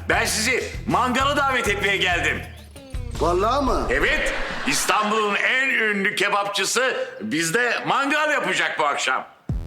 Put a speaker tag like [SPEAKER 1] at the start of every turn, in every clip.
[SPEAKER 1] Ben sizi mangala davet etmeye geldim.
[SPEAKER 2] Vallahi mı?
[SPEAKER 1] Evet, İstanbul'un en ünlü kebapçısı bizde mangal yapacak bu akşam.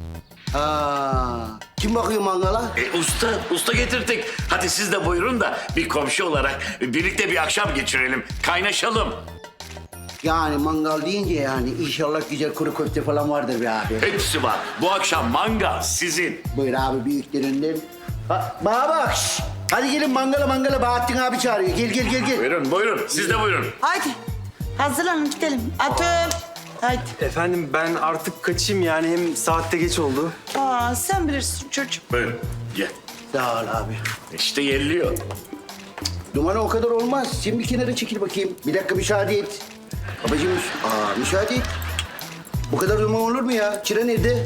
[SPEAKER 2] Kim bakıyor mangala?
[SPEAKER 1] Usta getirdik. Hadi siz de buyurun da bir komşu olarak birlikte bir akşam geçirelim, kaynaşalım.
[SPEAKER 2] Yani mangal deyince yani inşallah güzel kuru köfte falan vardır be abi.
[SPEAKER 1] Hepsi var. Bu akşam mangal sizin.
[SPEAKER 2] Buyur abi büyüklerinden. Bana bak. Şş. Hadi gelin mangala Bahattin abi çağırıyor. Gel.
[SPEAKER 1] Buyurun. Siz de buyurun.
[SPEAKER 3] Haydi. Hazırlanın gidelim. Atım. Haydi.
[SPEAKER 4] Efendim ben artık kaçayım yani hem saatte geç oldu.
[SPEAKER 3] Sen bilirsin çocuğum.
[SPEAKER 1] Buyurun. Gel.
[SPEAKER 2] Sağ ol abi.
[SPEAKER 1] İşte yerliyor.
[SPEAKER 2] Dumanı o kadar olmaz. Sen bir kenara çekil bakayım. Bir dakika müsaade et. Babacığım müsaade et. Bu kadar duman olur mu ya? Çıra nerede?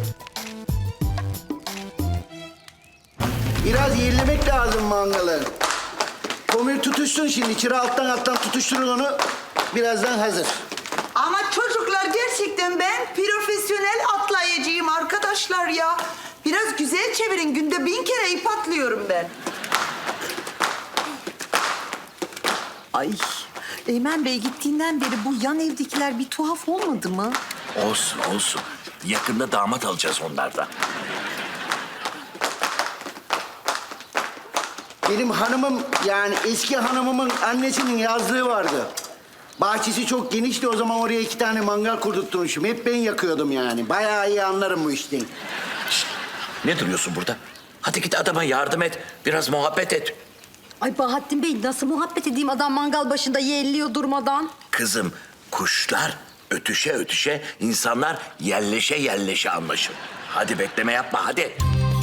[SPEAKER 2] Biraz yerlemek lazım mangalı. Komür tutuşsun şimdi. Çıra alttan tutuşturun onu. Birazdan hazır.
[SPEAKER 3] Ama çocuklar gerçekten ben profesyonel atlayıcıyım arkadaşlar ya. Biraz güzel çevirin. Günde 1000 kere ip atlıyorum ben.
[SPEAKER 5] Ay, Eymen Bey gittiğinden beri bu yan evdekiler bir tuhaf olmadı mı?
[SPEAKER 1] Olsun. Yakında damat alacağız onlardan.
[SPEAKER 2] Benim hanımım yani eski hanımımın annesinin yazlığı vardı. Bahçesi çok genişti, o zaman oraya 2 tane mangal kurdurtmuşum. Hep ben yakıyordum yani. Bayağı iyi anlarım bu işten.
[SPEAKER 1] Ne duruyorsun burada? Hadi git adama yardım et. Biraz muhabbet et.
[SPEAKER 5] Ay Bahattin Bey nasıl muhabbet edeyim adam mangal başında yelliyor durmadan.
[SPEAKER 1] Kızım, kuşlar ötüşe, insanlar yerleşe anlaşır. Hadi bekleme yapma, hadi.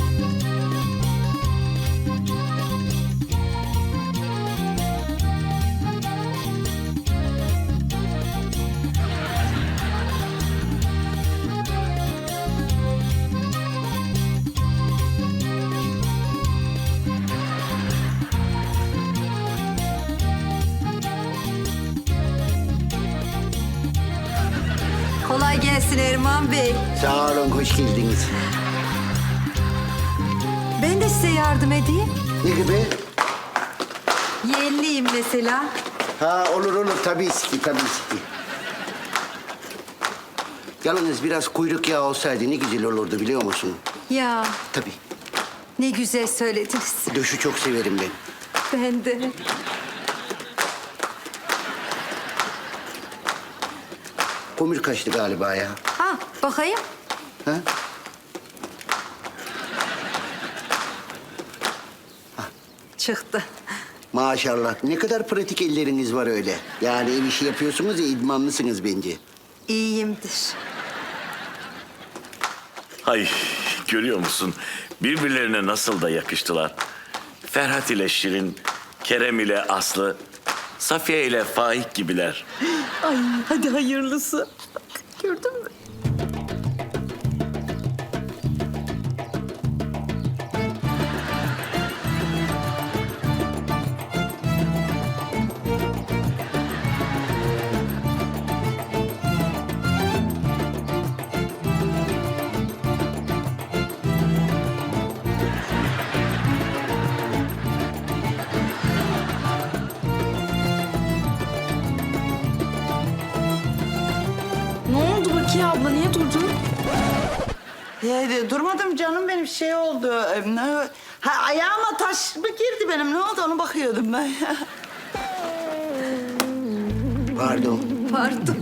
[SPEAKER 5] Kolay gelsin Erman Bey.
[SPEAKER 2] Sağ olun, hoş geldiniz.
[SPEAKER 5] Ben de size yardım edeyim.
[SPEAKER 2] Ne gibi?
[SPEAKER 5] Yelliyim mesela.
[SPEAKER 2] Olur, tabii ki. Yalnız biraz kuyruk yağı olsaydı ne güzel olurdu biliyor musun?
[SPEAKER 5] Ya
[SPEAKER 2] Tabii.
[SPEAKER 5] ne güzel söylediniz.
[SPEAKER 2] Döşü çok severim ben.
[SPEAKER 5] Ben de.
[SPEAKER 2] Komür kaçtı galiba ya.
[SPEAKER 5] Bakayım.
[SPEAKER 2] Ha?
[SPEAKER 5] Çıktı.
[SPEAKER 2] Maşallah. Ne kadar pratik elleriniz var öyle. Yani ev işi yapıyorsunuz ya, idmanlısınız bence.
[SPEAKER 5] İyiyimdir.
[SPEAKER 1] Ay, görüyor musun? Birbirlerine nasıl da yakıştılar. Ferhat ile Şirin, Kerem ile Aslı, Safiye ile Faik gibiler.
[SPEAKER 5] Ay hadi hayırlısı. Bak, gördün mü?
[SPEAKER 6] Ne oldu Bakiye abla? Niye durdun?
[SPEAKER 3] Durmadım canım benim şey oldu. Ayağıma taş mı girdi benim? Ne oldu onu bakıyordum ben.
[SPEAKER 2] Pardon.
[SPEAKER 5] Pardon.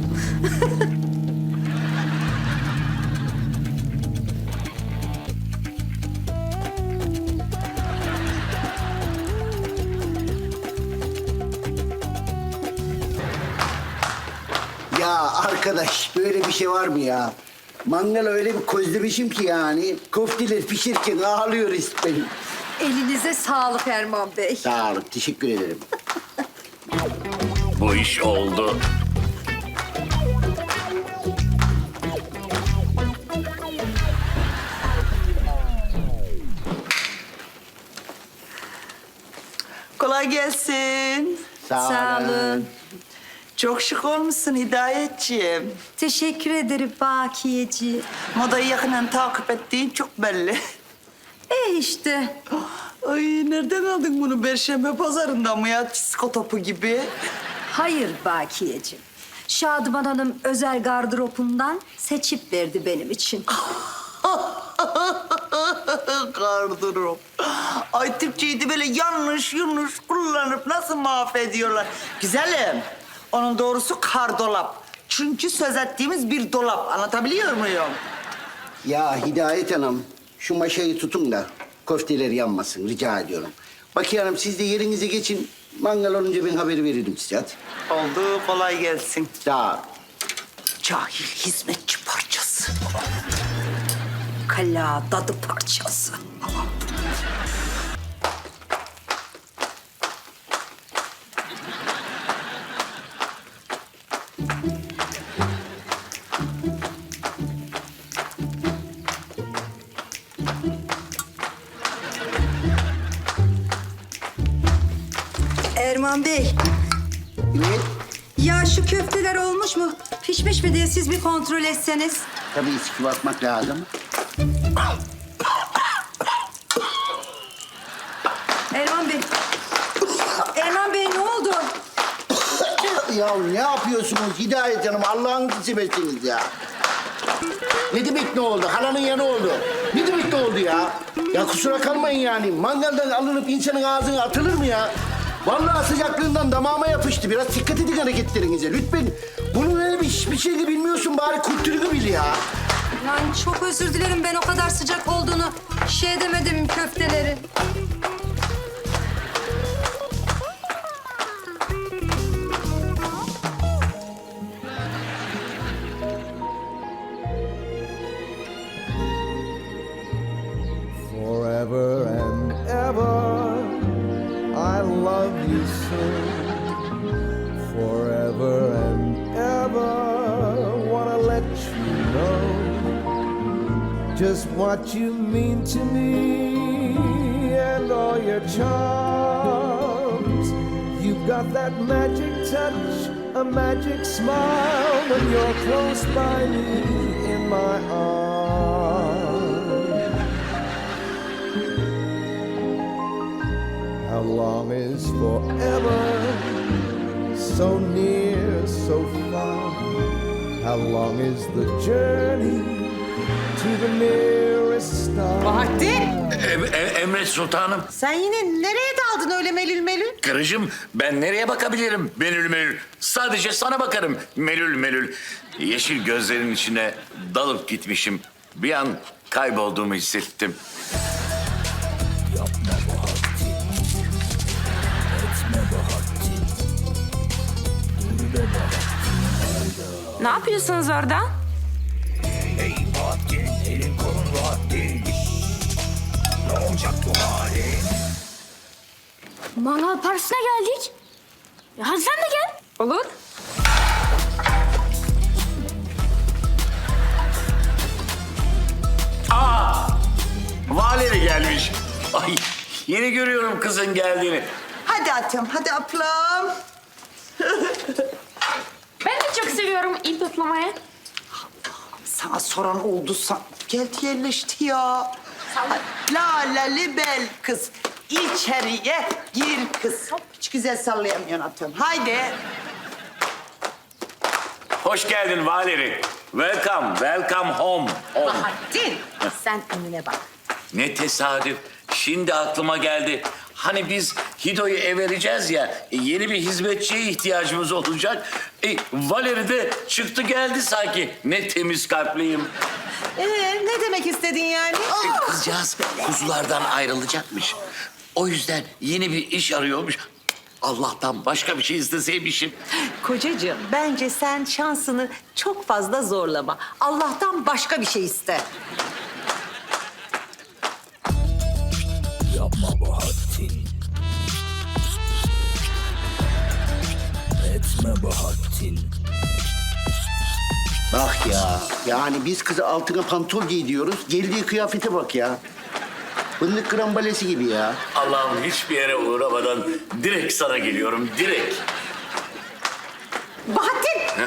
[SPEAKER 2] Ya arkadaş böyle bir şey var mı ya? Mangal öyle bir közlemişim ki yani. Köfteler pişirken ağlıyor benim.
[SPEAKER 5] Elinize sağlık Erman Bey.
[SPEAKER 2] Sağ olun, teşekkür ederim.
[SPEAKER 1] Bu iş oldu.
[SPEAKER 3] Kolay gelsin.
[SPEAKER 5] Sağ olun.
[SPEAKER 3] Çok şık olmuşsun Hidayetciğim.
[SPEAKER 5] Teşekkür ederim Bakiyeci.
[SPEAKER 3] Modayı yakından takip ettiğin çok belli.
[SPEAKER 5] İşte.
[SPEAKER 3] Ay nereden aldın bunu? Perşembe pazarından mı ya? Disko topu gibi.
[SPEAKER 7] Hayır Bakiyeciğim. Şadıman Hanım özel gardıropundan seçip verdi benim için.
[SPEAKER 3] Gardırop. Ay Türkçeyi de böyle yanlış kullanıp nasıl mahvediyorlar. Güzelim. Onun doğrusu kardolap. Çünkü söz ettiğimiz bir dolap. Anlatabiliyor muyum?
[SPEAKER 2] Ya Hidayet Hanım, şu maşayı tutun da köfteler yanmasın rica ediyorum. Bakiye Hanım siz de yerinize geçin. Mangal olunca ben haber veririm size hadi.
[SPEAKER 3] Oldu. Kolay gelsin.
[SPEAKER 2] Daha
[SPEAKER 3] Cahil hizmetçi parçası.
[SPEAKER 7] Kala dadı parçası.
[SPEAKER 5] Erman Bey,
[SPEAKER 2] ne?
[SPEAKER 5] ya şu köfteler olmuş mu? Pişmiş mi diye siz bir kontrol etseniz.
[SPEAKER 2] Tabii içki bakmak lazım.
[SPEAKER 5] Erman Bey. Erman Bey ne oldu?
[SPEAKER 2] Ya ne yapıyorsunuz Hidayet Hanım? Allah'ınızı seversiniz ya. Ne demek ne oldu? Halanın yanı oldu. Ne demek ne oldu ya? Ya kusura kalmayın yani. Mangaldan alınıp insanın ağzına atılır mı ya? Vallahi sıcaklığından damağıma yapıştı. Biraz dikkat edin hareketlerinize. Lütfen bunun öyle bir şey de bilmiyorsun. Bari kültürünü bil ya.
[SPEAKER 7] Yani çok özür dilerim, ben o kadar sıcak olduğunu şey demedim köfteleri.
[SPEAKER 8] Forever and ever, I love you so. Forever and ever, wanna let you know just what you mean to me and all your charms. You've got that magic touch, a magic smile when you're close by me in my arms. How long is forever? So near, so far. How long is the journey to the nearest star?
[SPEAKER 3] Bahattin!
[SPEAKER 1] Emret sultanım.
[SPEAKER 3] Sen yine nereye daldın öyle melül melül?
[SPEAKER 1] Karıcığım ben nereye bakabilirim melül melül? Sadece sana bakarım melül melül. Yeşil gözlerin içine dalıp gitmişim. Bir an kaybolduğumu hissettim.
[SPEAKER 6] Ne yapıyorsunuz orada?
[SPEAKER 9] Mangal partisine geldik. Hadi sen de gel.
[SPEAKER 6] Olur.
[SPEAKER 1] Valeri gelmiş. Ay yeni görüyorum kızın geldiğini.
[SPEAKER 3] Hadi atım, hadi ablam.
[SPEAKER 6] Ben de çok seviyorum ip atlamayı.
[SPEAKER 3] Sana soran oldu geldi yerleşti ya. Laleli bel kız. İçeriye gir kız. Hiç güzel sallayamıyorsun atım. Haydi.
[SPEAKER 1] Hoş geldin Valeri. Welcome, welcome home.
[SPEAKER 7] Bahattin, sen önüne bak.
[SPEAKER 1] Ne tesadüf. Şimdi aklıma geldi. Hani biz Hido'yu vereceğiz ya, yeni bir hizmetçiye ihtiyacımız olacak. Valeri de çıktı geldi sanki. Ne temiz kalpliyim.
[SPEAKER 3] Ne demek istedin yani?
[SPEAKER 1] Kızcağız kuzulardan ayrılacakmış. O yüzden yeni bir iş arıyormuş. Allah'tan başka bir şey isteseymişim.
[SPEAKER 5] Kocacığım, bence sen şansını çok fazla zorlama. Allah'tan başka bir şey iste.
[SPEAKER 8] Yapma Bahattin. Etme Bahattin.
[SPEAKER 2] Bak ya. Yani biz kızı altına pantol giydiriyoruz. Geldiği kıyafete bak ya. Fındık krambalesi gibi ya.
[SPEAKER 1] Allah'ım hiçbir yere uğramadan direkt sana geliyorum, direkt.
[SPEAKER 5] Bahattin!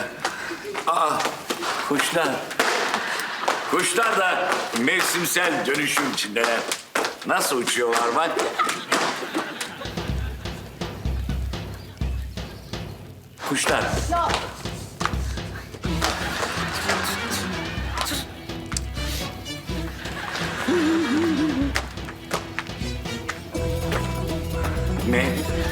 [SPEAKER 1] Kuşlar. Kuşlar da mevsimsel dönüşüm içindeler. Nasıl uçuyorlar bak. Kuşlar. Ne?